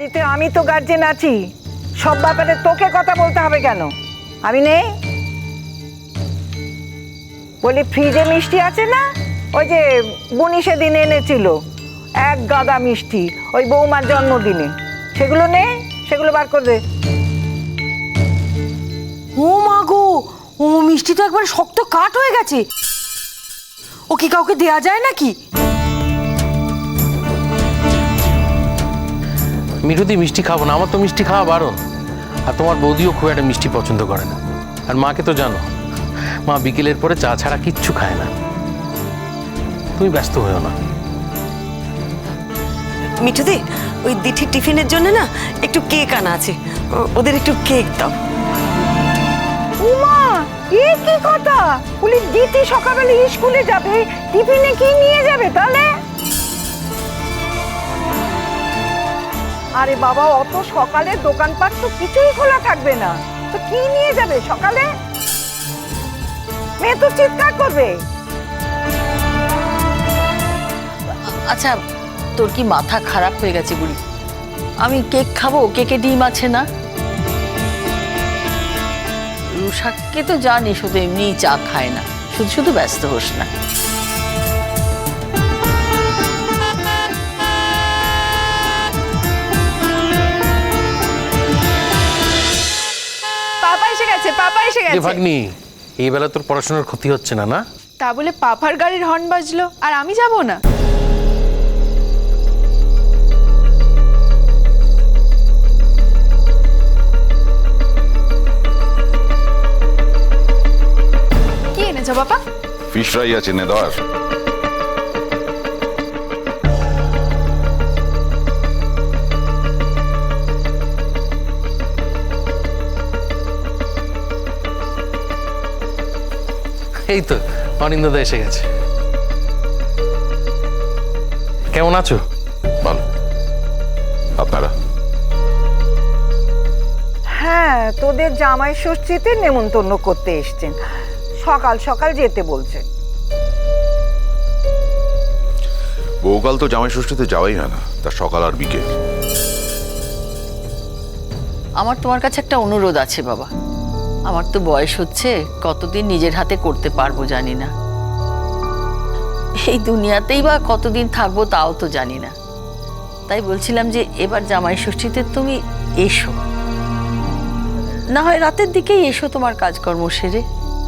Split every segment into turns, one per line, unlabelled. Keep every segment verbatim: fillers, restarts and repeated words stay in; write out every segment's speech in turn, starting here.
বাড়িতে আমি তো গার্জেন আছি, সব ব্যাপারে তোকে কথা বলতে হবে কেন? আমি নেই? বলি ফ্রিজে মিষ্টি আছে না, ওই যে বুনি সেদিন এনেছিল এক গাদা মিষ্টি ওই বৌমার জন্মদিনে, সেগুলো নে, সেগুলো বার করে দে।
ও মা গো, ও মিষ্টি তো একবার শক্ত কাঠ হয়ে গেছে, ও কি কাউকে দেয়া যায় নাকি?
মিঠুদি মিষ্টি খাবো না, আমার তো মিষ্টি খাওয়া বারণ। আর তোমার বৌদিও খুব একটা মিষ্টি পছন্দ করে না। আর মাকে তো জানো, মা বিকেলের পরে চা ছাড়া কিচ্ছু খায় না। তুমি ব্যস্ত হয়েও না।
মিঠুদি, ওই দিঠির টিফিনের জন্য না একটু কেক আনা আছে, ওদের একটু কেক দাও।
উমা, এ কি কথা? বলি দিতি সকালবেলা স্কুলে যাবে, টিফিনে কি নিয়ে যাবে তাহলে? আরে বাবা, অত সকালে দোকানপাট তো কিছুই খোলা থাকবে না, তো কি নিয়ে যাবে সকালে? মেয়ে তো চিৎকার করবে।
আচ্ছা, তোর কি মাথা খারাপ হয়ে গেছে বুড়ি? আমি কেক খাবো, কেকে ডিম আছে না? রুশাককে তো জানি শুধু এমনিই চা খায় না, শুধু শুধু ব্যস্ত হোস না।
পাপা এসে গেছে, পাপা এসে গেছে।
ভাগ্নি, এই বেলা তোর পড়াশোনার ক্ষতি হচ্ছে না? না
তা বলে পাপার গাড়ির হর্ন বাজলো আর আমি যাব না? কি এনেছো পাপা?
ফিশ ফ্রাই আছে, নে ধর।
এই তো অনিন্দদা এসে গেছে। কেমন আছো?
ভালো। আপনারা?
হ্যাঁ, তোদের জামাই ষষ্ঠীতে নেমন্তন্ন করতে এসছেন, সকাল সকাল যেতে বলছে।
বহুকাল তো জামাই ষষ্ঠীতে যাওয়াই হয় না, তার সকাল আর বিকেল।
আমার তোমার কাছে একটা অনুরোধ আছে বাবা। আমার তো বয়স হচ্ছে, কতদিন নিজের হাতে করতে পারবো জানি না। এই দুনিয়াতেই বা কতদিন থাকবো তাও তো জানি না। তাই বলছিলাম যে এবার জামাই ষষ্ঠীতে তুমি এসো, না হয় রাতের দিকেই এসো তোমার কাজকর্ম সেরে।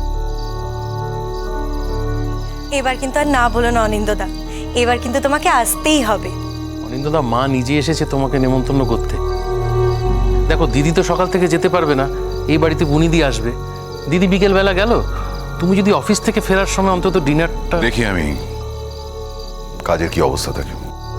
এবার কিন্তু আর না বলো না অনিন্দদা, এবার কিন্তু তোমাকে আসতেই হবে।
অনিন্দদা, মা নিজে এসেছে তোমাকে নেমন্তন্ন করতে। দেখো, দিদি তো সকাল থেকে যেতে পারবে না, এই বাড়িতে বুনিদি আসবে। দিদি বিকেল বেলা গেল, তুমি যদি অফিস থেকে ফেরার সময় অন্তত ডিনারটা
দেখি আমি কাজের কি অবস্থা থাকে,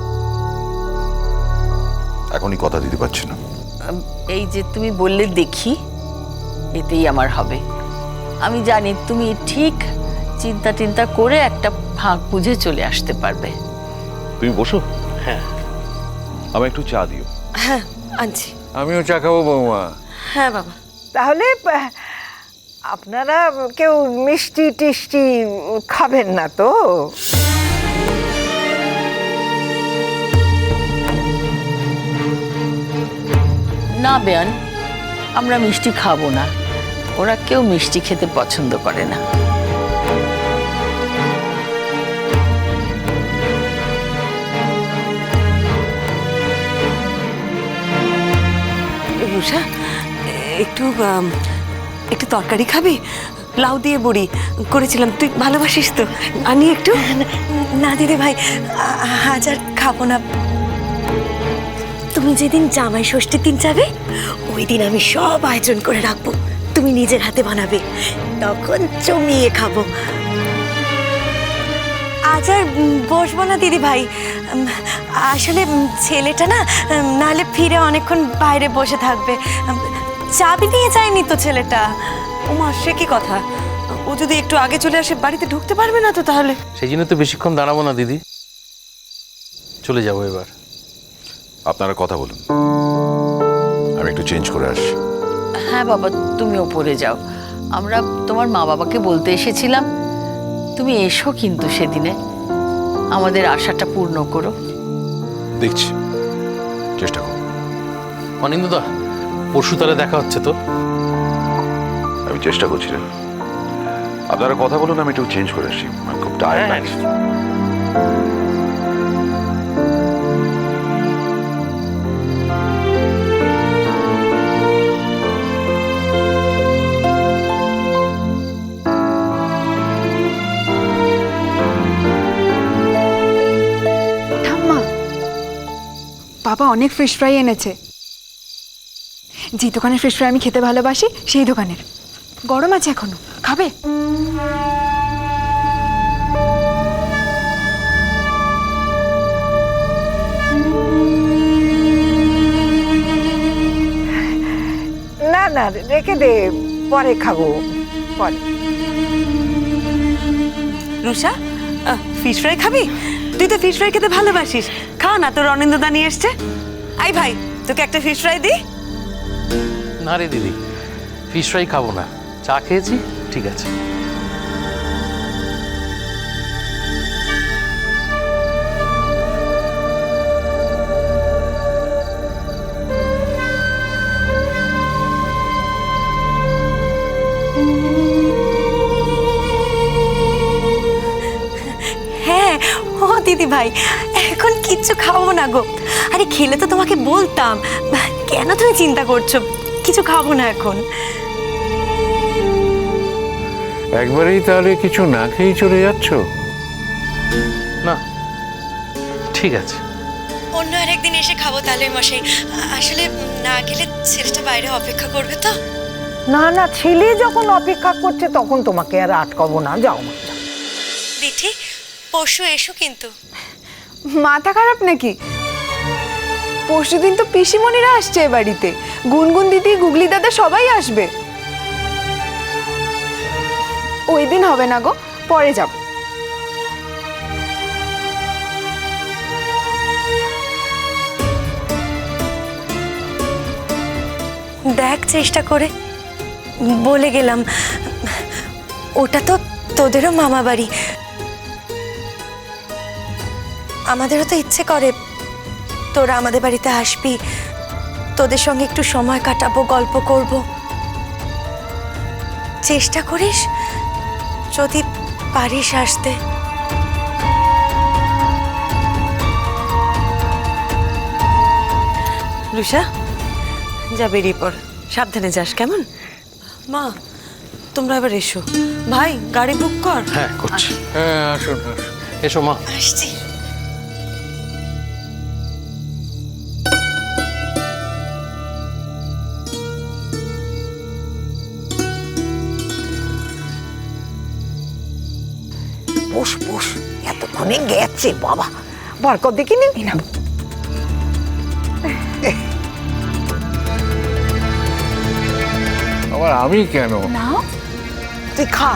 এখনই কথা দিতে পারছি না।
এই যে তুমি বললে দেখি, এতেই আমার হবে। আমি জানি তুমি ঠিক চিন্তা টিন্তা করে একটা ফাঁক বুঝে চলে আসতে পারবে।
তুমি বসো।
হ্যাঁ,
আমি একটু চা দিও।
হ্যাঁ আনছি।
আমিও চা খাবো বৌমা।
হ্যাঁ বাবা।
তাহলে আহ, আপনারা কেউ মিষ্টি টিষ্টি খাবেন না তো?
না বেয়ান, আমরা মিষ্টি খাবো না, ওরা কেউ মিষ্টি খেতে পছন্দ করে না।
রুষা, একটু আম, একটু তরকারি খাবি? লাউ দিয়ে বড়ি করেছিলাম, তুই ভালোবাসিস তো? আনি একটু। না দিদি ভাই, আজ আর খাবো না। তুমি যেদিন জামাই ষষ্ঠীর দিন যাবে, ওই দিন আমি সব আয়োজন করে রাখবো, তুমি নিজের হাতে বানাবে, তখন জমিয়ে খাবো। আজ আর বসবো না দিদি ভাই, আসলে ছেলেটা না নাহলে ফিরে অনেকক্ষণ বাইরে বসে থাকবে। চাবি নিয়ে যায়নি তো ছেলেটা। ওমা, সে কি কথা? ও যদি একটু আগে চলে আসে বাড়িতে ঢুকতে পারবে না তো তাহলে?
সেই জন্য তো বেশিক্ষণ দাঁড়াবো না দিদি, চলে যাবো এবার।
আপনারা কথা বলুন, আমি একটু চেঞ্জ করে আসছি।
হ্যাঁ বাবা, তুমি ওপরে যাও, আমরা তোমার মা বাবাকে বলতে এসেছিলাম। তুমি এসো কিন্তু সেদিনে, আমাদের আশাটা পূর্ণ করো।
দেখছি, চেষ্টা করুন।
অনিন্দদা, পরশু তাহলে দেখা হচ্ছে তো?
আমি চেষ্টা করছিলাম। আপনারা কথা বলুন, আমি একটু চেঞ্জ করে আসি, আমি খুব টায়ার্ড
হ্যাঁ,
লাগছে।
ঠাম্মা, বাবা অনেক ফিশ ফ্রাই এনেছে। যে দোকানের ফিশ ফ্রাই আমি খেতে ভালোবাসি সেই দোকানের। গরম আছে এখনো, খাবে?
না না, রেখে দে, পরে খাবো, পরে।
রুষা, ফিশ ফ্রাই খাবি? তুই তো ফিশ ফ্রাই খেতে ভালোবাসিস, খা না, তোর অনিন্দদা নিয়ে এসছে। আই ভাই, তোকে একটা ফিশ ফ্রাই দি।
না রে দিদি, ফিশ ফ্রাই খাবো না, চা খেয়েছি, ঠিক আছে।
হ্যাঁ, ও দিদি ভাই, এখন কিচ্ছু খাবো না গো। আরে খেলে তো তোমাকে বলতাম, কেন তুমি চিন্তা করছো? কিছু খাবো না এখন।
একবারেই তাহলে কিছু না খেয়েই চলে যাচ্ছ?
না, ঠিক আছে।
অন্য আরেকদিন এসে খাবো তাহলে মশাই। আসলে না গেলে ছেলেটা বাইরে অপেক্ষা করবে তো।
না না, ছেলে যখন অপেক্ষা করছে তখন তোমাকে আর আটকাবো না, যাও মা, যাও।
দিঠি, পরশু এসো কিন্তু।
মাথা খারাপ নাকি? পরশুদিন তো পিসিমণিরা আসছে এ বাড়িতে, গুনগুন দিদি, গুগলি দাদা সবাই আসবে। ওই দিন হবে না গো, পরে যাব।
দেখ চেষ্টা করে, বলে গেলাম, ওটা তো তোদেরও মামা বাড়ি। আমাদেরও তো ইচ্ছে করে তোরা আমাদের বাড়িতে আসবি, তোদের সঙ্গে একটু সময় কাটাবো, গল্প করব। চেষ্টা করিস যদি পারিস আসতে।
রুষা, যা বেরিয়ে পড়, সাবধানে যাস, কেমন? মা, তোমরা এবার এসো। ভাই, গাড়ি বুক কর।
হ্যাঁ, করছি।
হ্যাঁ, আসুন আসুন।
এসো মা।
আসছি।
বস বস, এতক্ষণে গেছে বাবা, বার কর দেখিনি না।
আবার আমি কেন?
তুই খা।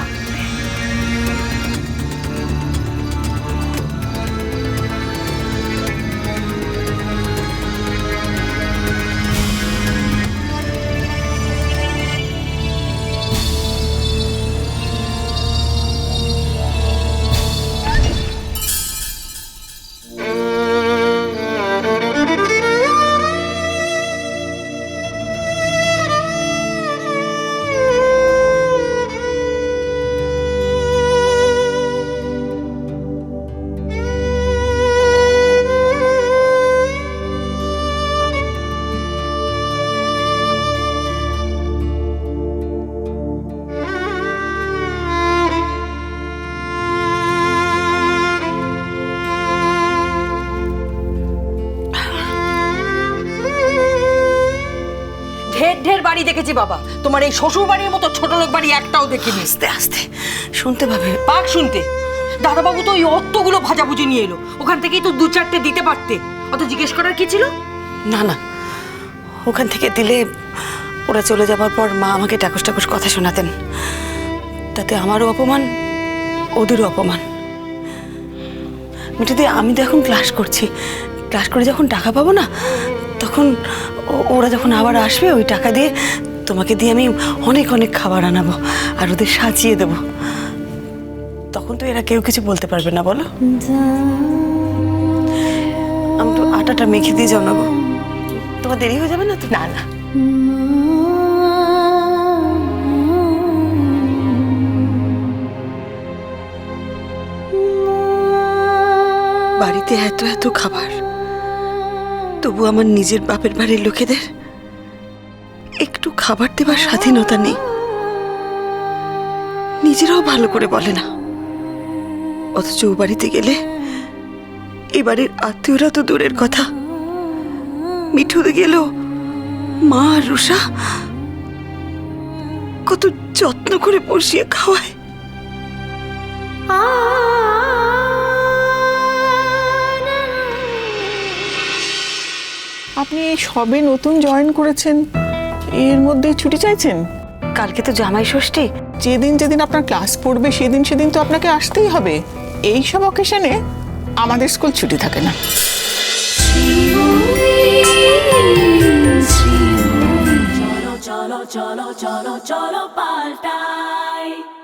ঢের ঢের বাড়ি দেখেছি বাবা, তোমার এই শ্বশুর বাড়ির মতো ছোট লোক বাড়ি একটাও দেখিনি।
আস্তে আস্তে শুনতে পাবে।
পাক শুনতে। দাদাবাবু তো ওই অতগুলো ভাজাভুজি নিয়ে এলো, ওখান থেকেই তো দু চারটে দিতে পারতে, অত জিজ্ঞেস করার কি ছিল?
না না, ওখান থেকে দিলে ওরা চলে যাবার পর মা আমাকে টাকুস টাকুস কথা শোনাতেন, তাতে আমারও অপমান, ওদেরও অপমান। মিঠুদি, আমি তো এখন ক্লাস করছি, ক্লাস করে যখন টাকা পাবো না, তখন ওরা যখন আবার আসবে, ওই টাকা দিয়ে তোমাকে দিয়ে আমি অনেক অনেক খাবার আনাবো আর ওদের সাজিয়ে দেবো। তখন তো এরা কেউ কিছু বলতে পারবে না, বলো? আমি তো আটাটা মেখে দিয়ে জানাবো, তোমার দেরি হয়ে যাবে না তো?
না না
বাড়িতে এত এত খাবার, তবু আমার নিজের বাপের বাড়ির লোকেদের একটু খাবার দেবার স্বাধীনতা নেই। নিজেরাও ভালো করে বলে না, অথচ ও বাড়িতে গেলে এ বাড়ির আত্মীয়রা তো দূরের কথা, মিঠুতে গেলেও মা আর রুষা কত যত্ন করে বসিয়ে খাওয়ায়।
আপনি এই সবে নতুন জয়েন করেছেন, এর মধ্যে ছুটি চাইছেন?
কালকে তো জামাই ষষ্ঠী।
যেদিন যেদিন আপনার ক্লাস পড়বে সেদিন সেদিন তো আপনাকে আসতেই হবে। এই সব অকেশনে আমাদের স্কুল ছুটি থাকে না।
চলো চলো চলো চলো চলো পাল্টাই।